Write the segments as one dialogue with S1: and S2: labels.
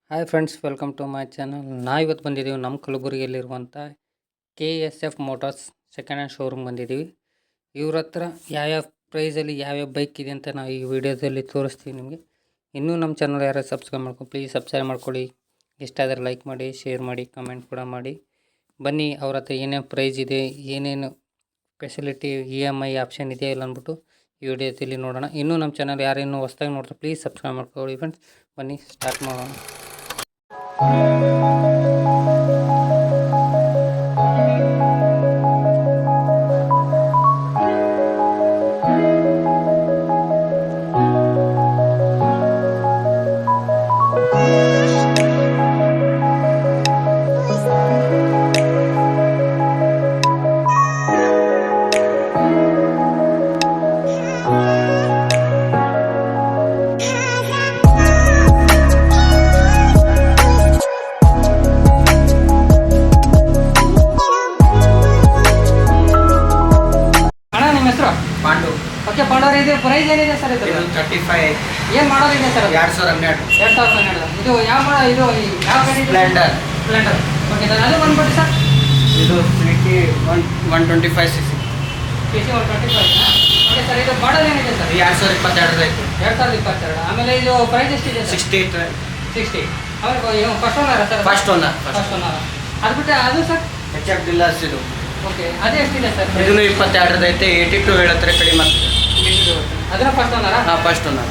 S1: Hi friends, welcome to my channel. ನಾವಿವತ್ತು ಬಂದಿದ್ದೀವಿ ನಮ್ಮ ಕಲಬುರಗಿಯಲ್ಲಿರುವಂಥ KSF motors second hand showroom ಬಂದಿದ್ದೀವಿ. ಇವ್ರ ಹತ್ರ ಯಾವ್ಯಾವ ಪ್ರೈಸಲ್ಲಿ ಯಾವ್ಯಾವ ಬೈಕ್ ಇದೆ ಅಂತ ನಾವು ಈ ವಿಡಿಯೋದಲ್ಲಿ ತೋರಿಸ್ತೀವಿ ನಿಮಗೆ. ಇನ್ನೂ ನಮ್ಮ ಚಾನಲ್ ಯಾರು ಸಬ್ಸ್ಕ್ರೈಬ್ ಮಾಡ್ಕೊಂಡು ಪ್ಲೀಸ್ ಸಬ್ಸ್ಕ್ರೈಬ್ ಮಾಡ್ಕೊಳ್ಳಿ. ಇಷ್ಟ ಆದರೆ ಲೈಕ್ ಮಾಡಿ, ಶೇರ್ ಮಾಡಿ, ಕಮೆಂಟ್ ಕೂಡ ಮಾಡಿ. ಬನ್ನಿ ಅವ್ರ ಹತ್ರ ಏನೇನು ಪ್ರೈಸ್ ಇದೆ, ಏನೇನು ಫೆಸಿಲಿಟಿ, EMI ಆಪ್ಷನ್ ಇದೆಯಾ ಇಲ್ಲ ಅಂದ್ಬಿಟ್ಟು ಈ ವಿಡಿಯೋದಲ್ಲಿ ನೋಡೋಣ. ಇನ್ನೂ ನಮ್ಮ ಚಾನಲ್ ಯಾರೇನು ಹೊಸ್ದಾಗಿ ನೋಡ್ತಾರೆ ಪ್ಲೀಸ್ ಸಬ್ಸ್ಕ್ರೈಬ್ ಮಾಡ್ಕೊಳ್ಳಿ ಫ್ರೆಂಡ್ಸ್. ಬನ್ನಿ ಸ್ಟಾರ್ಟ್ ಮಾಡೋಣ.
S2: ಪಾಂಡು.
S1: ಓಕೆ ಪಾಂಡವ್ರ, ಇದು ಪ್ರೈಸ್ ಏನಿದೆ ಸರ್? ಇದು
S2: 35.
S1: ಏನು ಮಾಡೋದು ಇದೆ ಸರ್?
S2: 2012.
S1: 2012. ಇದು ಯಾವ ಇದು ಯಾವ ಗಾಡಿ?
S2: ಸ್ಪ್ಲೆಂಡರ್.
S1: ಸ್ಪ್ಲೆಂಡರ್. ಓಕೆ ಸರ್, ಅದು ಬಂದ್ಬಿಟ್ಟು ಸರ್
S2: ಇದು 125 cc.
S1: PC 125. ಓಕೆ ಸರ್, ಇದು ಮಾಡಲ್ ಏನಿದೆ ಸರ್?
S2: 2022 ಐತೆ.
S1: 2022. ಆಮೇಲೆ ಇದು ಪ್ರೈಸ್ ಎಷ್ಟಿದೆ ಸರ್?
S2: 60.
S1: ಆಮೇಲೆ first owner sir?
S2: First owner.
S1: First owner. ಅದು ಬಿಟ್ಟು ಅದು ಸರ್?
S2: HF ಡಿಲ್ಲರ್ಸ್ ಇದು.
S1: ಓಕೆ, ಅದು ಎಷ್ಟಿದೆ ಸರ್?
S2: ಇದನ್ನು 22 ಐತೆ. 82 ಹೇಳತ್ತಾರೆ ಕಡಿಮೆ.
S1: ಅದನ್ನ ಫಸ್ಟ್ ಓನರಾ?
S2: ಹಾಂ, ಫಸ್ಟ್ ಓನರ್.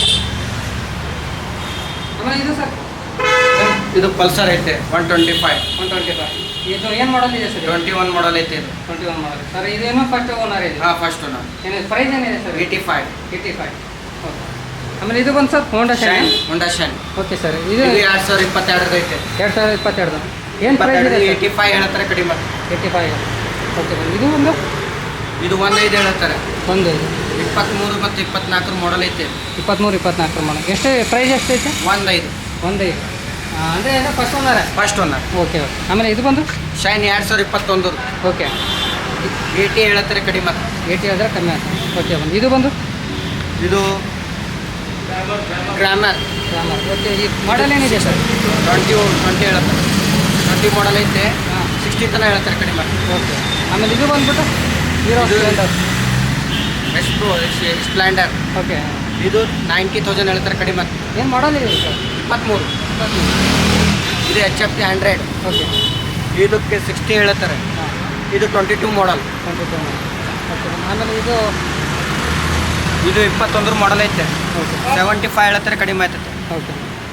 S1: ಆಮೇಲೆ ಇದು ಸರ್?
S2: ಇದು ಪಲ್ಸರ್ ಐತೆ 125.
S1: 125. ಇದು ಏನು ಮಾಡಲ್ ಇದೆ ಸರ್?
S2: 21 ಮಾಡಲ್ ಐತೆ ಇದು.
S1: 21 ಮಾಡಲ್ ಸರ್. ಇದೇನು ಫಸ್ಟ್ ಓನರ್ ಇದೆ?
S2: ಹಾಂ, ಫಸ್ಟ್ ಓನರ್.
S1: ಏನಿದೆ ಪ್ರೈಸ್ ಏನಿದೆ ಸರ್?
S2: 85.
S1: 85. ಓಕೆ. ಆಮೇಲೆ ಇದು ಬಂದು sir Honda Shine.
S2: Honda Shine.
S1: Okay sir, ಇದು
S2: 2022 ಐತೆ.
S1: 2022. ಏನು ಪ್ರೈಸ್ ಇದೆ?
S2: 85 ಹೇಳ್ತಾರೆ ಕಡಿಮೆ.
S1: 85. ಓಕೆ ಸರ್, ಇದು ಒಂದು
S2: ಇದು 15 ಹೇಳ್ತಾರೆ.
S1: ಒಂದು
S2: 23 ಮತ್ತು 24 ಮಾಡಲ್ ಐತೆ.
S1: 23, 24 ಮಾಡಲ್. ಎಷ್ಟು ಪ್ರೈಸ್ ಎಷ್ಟೈತೆ?
S2: 15.
S1: 15. ಅಂದರೆ ಏನು ಫಸ್ಟ್ ಓನರ?
S2: First owner.
S1: Okay okay. ಆಮೇಲೆ ಇದು ಬಂದು
S2: ಶೈನ್ 2021.
S1: ಓಕೆ.
S2: 80 ಹೇಳ್ತಾರೆ ಕಡಿಮೆ.
S1: 80 ಆದರೆ ಕಮ್ಮಿ ಆಗ್ತದೆ. ಓಕೆ ಬಂದು ಇದು ಬಂದು
S2: ಇದು ಗ್ರಾಮರ್.
S1: ಓಕೆ. ಈ ಮಾಡಲ್ ಏನಿದೆ ಸರ್?
S2: 20 ಹೇಳ್ತಾರೆ. 20 ಮಾಡಲ್ ಐತೆ.
S1: ಹಾಂ.
S2: 60 ತನಕ ಹೇಳ್ತಾರೆ ಕಡಿಮೆ.
S1: ಓಕೆ. ಆಮೇಲೆ ಇದು ಬಂದ್ಬಿಟ್ಟು ಹೀರೋ
S2: ಇದು
S1: ಸ್ಪ್ಲೆಂಡರ್.
S2: ಎಷ್ಟು ಸ್ಪ್ಲೆಂಡರ್.
S1: ಓಕೆ.
S2: ಇದು 90,000 ಹೇಳ್ತಾರೆ ಕಡಿಮೆ.
S1: ಏನು ಮಾಡಲ್ ಇದೆ ಸರ್?
S2: 23. ಇದು HF 100.
S1: ಓಕೆ.
S2: ಇದಕ್ಕೆ 60 ಹೇಳ್ತಾರೆ.
S1: ಹಾಂ.
S2: ಇದು 22 ಮಾಡಲ್.
S1: 22. ಓಕೆ. ಆಮೇಲೆ ಇದು
S2: ಇದು 21 ಮಾಡಲ್ ಐತೆ.
S1: ಓಕೆ.
S2: 75 ಹೇಳ್ತಾರೆ ಕಡಿಮೆ ಆಯ್ತೈತೆ.
S1: ಓಕೆ.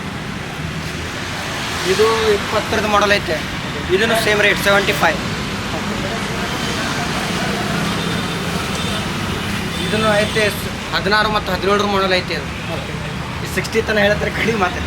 S2: ಇದು 20 ಮಾಡಲ್ ಐತೆ. ಇದನ್ನು ಸೇಮ್ ರೇಟ್ 75. ಇದನ್ನು ಐತೆ 16 ಮತ್ತು 17 ಮಾಡಲ್ ಐತೆ. ಅದು
S1: ಓಕೆ.
S2: 60 ತನಕ ಹೇಳ್ತಾರೆ ಕಡಿಮೆ ಮಾತೈತೆ.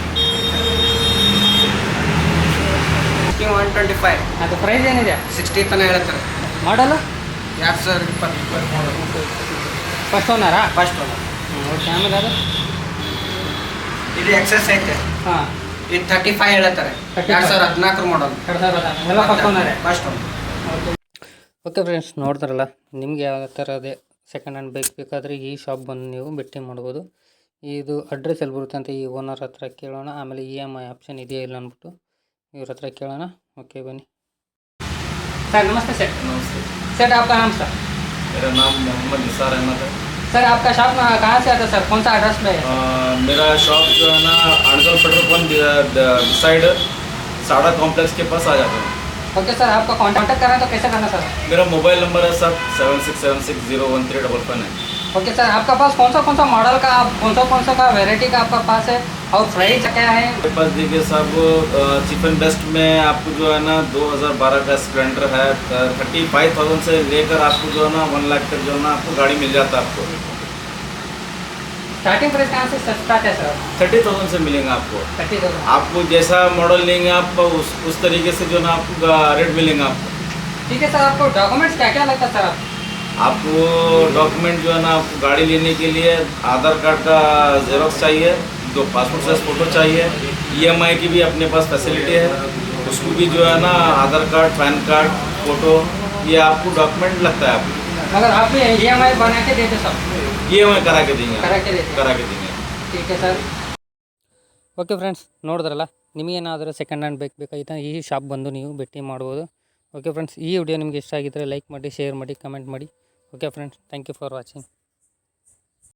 S2: 125.
S1: ಅದು ಪ್ರೈಸ್ ಏನಿದೆ?
S2: 60 ತನಕ ಹೇಳ್ತಾರೆ.
S1: Model
S2: 2020 model.
S1: ಫಸ್ಟ್ ಓನರಾ?
S2: First owner.
S1: ಓಕೆ. ಆಮೇಲೆ ಅದು
S2: ಇದು ಎಕ್ಸಸ್ ಐತೆ.
S1: ಹಾಂ.
S2: ಇದು 35 ಹೇಳ್ತಾರೆ. 2014 ಮಾಡಲ್.
S1: 2000 ಎಲ್ಲ ಫಸ್ಟ್ ಓನರೇ?
S2: First owner.
S1: Okay. Okay friends, ನೋಡಿದ್ರಲ್ಲ, ನಿಮ್ಗೆ ಯಾವ ಥರ ಅದೇ ಸೆಕೆಂಡ್ ಹ್ಯಾಂಡ್ ಬೈಕ್ ಬೇಕಾದರೆ ಈ ಶಾಪ್ ಬಂದು ನೀವು ಭೇಟಿ ಮಾಡ್ಬೋದು. ಇದು ಅಡ್ರೆಸ್ ಎಲ್ಲಿ ಬರುತ್ತೆ ಅಂತ ಈ ಓನರ್ ಹತ್ರ ಕೇಳೋಣ. ಆಮೇಲೆ EMI ಆಪ್ಷನ್ ಇದೆಯಾ ಇಲ್ಲ ಅಂದ್ಬಿಟ್ಟು ಇವ್ರ ಹತ್ರ ಕೇಳೋಣ. ಓಕೆ ಬನ್ನಿ सर. नमस्ते सर.
S3: नमस्ते
S1: सर, आपका नाम सर?
S3: मेरा नाम मोहम्मद निसार अहमद है.
S1: सर, आपका शॉप कहाँ से आता है सर? कौन सा एड्रेस पे है?
S3: मेरा शॉप जो है ना अड़जल पेट्रोल पंप साइड साड़ा कॉम्प्लेक्स के पास आ जाता है.
S1: ओके सर, आपका कॉन्टैक्ट करना है तो कैसे करना सर?
S3: मेरा मोबाइल नंबर है सर 7676013555 है.
S1: ओके सर, आपका पास कौन सा मॉडल का, कौन सा का वेराइटी का आपका पास है और प्राइस क्या है?
S3: मेरे पास देखिए साहब, चीप एंड बेस्ट में आपको जो है ना 2012 का स्प्लेंडर है. 35,000 से लेकर आपको जो है ना 1 लाख तक जो है ना आपको गाड़ी मिल जाता है. आपको
S1: स्टार्टिंग प्राइस कहाँ से स्टार्ट है सर?
S3: 30,000 से मिलेंगे आपको.
S1: 30,000.
S3: आपको जैसा मॉडल लेंगे आप उस तरीके से जो है ना आपको रेट मिलेंगे आपको.
S1: ठीक है सर. आपको डॉक्यूमेंट्स क्या क्या लगता है सर?
S3: आपको डॉक्यूमेंट जो है ना आपको गाड़ी लेने के लिए आधार कार्ड का जेरोक्स चाहिए, 2 पासपोर्ट साइज फ़ोटो चाहिए. EMI की भी अपने पास फैसिलिटी है, उसको भी जो है ना Aadhaar card, PAN card, photo, ये आपको डॉक्यूमेंट लगता है. आपको
S1: अगर आप भी EMI बना के देते सब?
S3: EMI करा के देंगे.
S1: करा के देते.
S3: करा के देंगे.
S1: ठीक है सर. ಓಕೆ ಫ್ರೆಂಡ್ಸ್, ನೋಡಿದ್ರಲ್ಲ, ನಿಮಗೇನಾದರೂ ಸೆಕೆಂಡ್ ಹ್ಯಾಂಡ್ ಬೈಕ್ ಬೇಕಾಗಿತ್ತು ಈ ಶಾಪ್ ಬಂದು ನೀವು ಭೇಟಿ ಮಾಡ್ಬೋದು. ಓಕೆ ಫ್ರೆಂಡ್ಸ್, ಈ ವಿಡಿಯೋ ನಿಮಗೆ ಇಷ್ಟ ಆಗಿದ್ದರೆ ಲೈಕ್ ಮಾಡಿ, ಶೇರ್ ಮಾಡಿ, ಕಮೆಂಟ್ ಮಾಡಿ. Okay friends, thank you for watching.